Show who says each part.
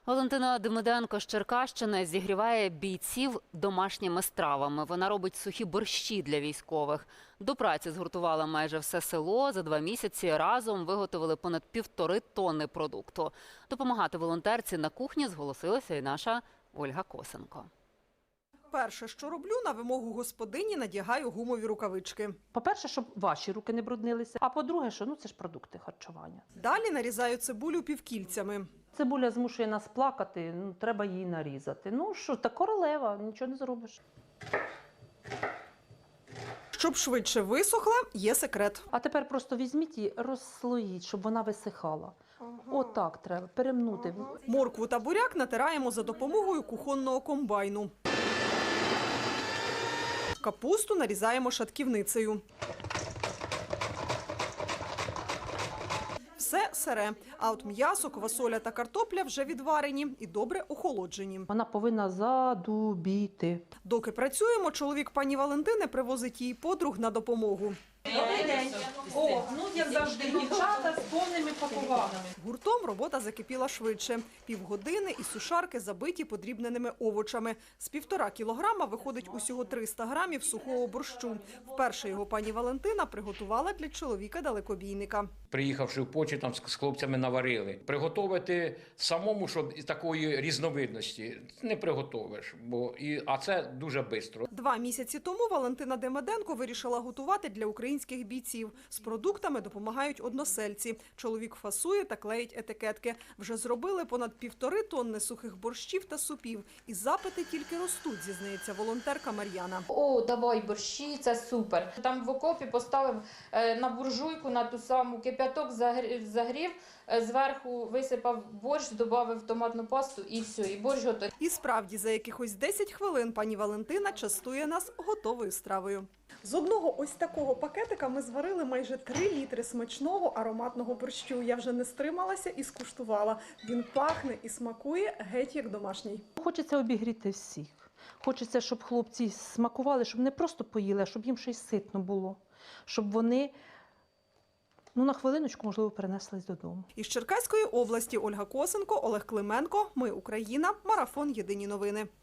Speaker 1: Валентина Демиденко з Черкащини зігріває бійців домашніми стравами. Вона робить сухі борщі для військових. До праці згуртувала майже все село. За 2 місяці разом виготовили понад 1,5 тонни продукту. Допомагати волонтерці на кухні зголосилася і наша Ольга Косенко.
Speaker 2: Перше, що роблю, на вимогу господині надягаю гумові рукавички.
Speaker 3: По-перше, щоб ваші руки не бруднилися, а по-друге, що це ж продукти харчування.
Speaker 2: Далі нарізаю цибулю півкільцями.
Speaker 3: Цибуля змушує нас плакати, треба її нарізати. Ну що, та королева, нічого не зробиш.
Speaker 2: Щоб швидше висохла, є секрет.
Speaker 3: А тепер просто візьміть і розслоїть, щоб вона висихала. Отак треба, перемнути.
Speaker 2: Моркву та буряк натираємо за допомогою кухонного комбайну. Капусту нарізаємо шатківницею. Все сире, а от м'ясо, квасоля та картопля вже відварені і добре охолоджені.
Speaker 3: Вона повинна задубіти.
Speaker 2: Доки працюємо, чоловік пані Валентини привозить їй подруг на допомогу.
Speaker 3: Добрий день. О, як завжди, дівчата з повними пакуваннями.
Speaker 2: Гуртом робота закипіла швидше. Півгодини і сушарки забиті подрібненими овочами. З 1,5 кілограма виходить усього 300 грамів сухого борщу. Вперше його пані Валентина приготувала для чоловіка-далекобійника.
Speaker 4: Приїхавши в Польщу, там з хлопцями наварили. Приготувати самому, щоб такої різновидності не приготовиш, а це дуже швидко.
Speaker 2: 2 місяці тому Валентина Демиденко вирішила готувати для українських бійців. З продуктами допомагають односельці. Чоловік фасує та клеїть етикетки. Вже зробили понад 1,5 тонни сухих борщів та супів. І запити тільки ростуть, зізнається волонтерка Мар'яна.
Speaker 5: О, давай борщі, це супер. Там в окопі поставив на буржуйку, на ту саму кип'яток, загрів, зверху висипав борщ, додав томатну пасту і все, і борщ готовий.
Speaker 2: І справді, за якихось 10 хвилин пані Валентина частує нас готовою стравою. З одного ось такого пакетика ми зварили майже 3 літри смачного ароматного борщу. Я вже не стрималася і скуштувала. Він пахне і смакує геть як домашній.
Speaker 3: Хочеться обігріти всіх. Хочеться, щоб хлопці смакували, щоб не просто поїли, а щоб їм ще й ситно було. Щоб вони на хвилиночку, можливо, перенеслись додому.
Speaker 2: Із Черкаської області Ольга Косенко, Олег Клименко. Ми Україна. Марафон. Єдині новини.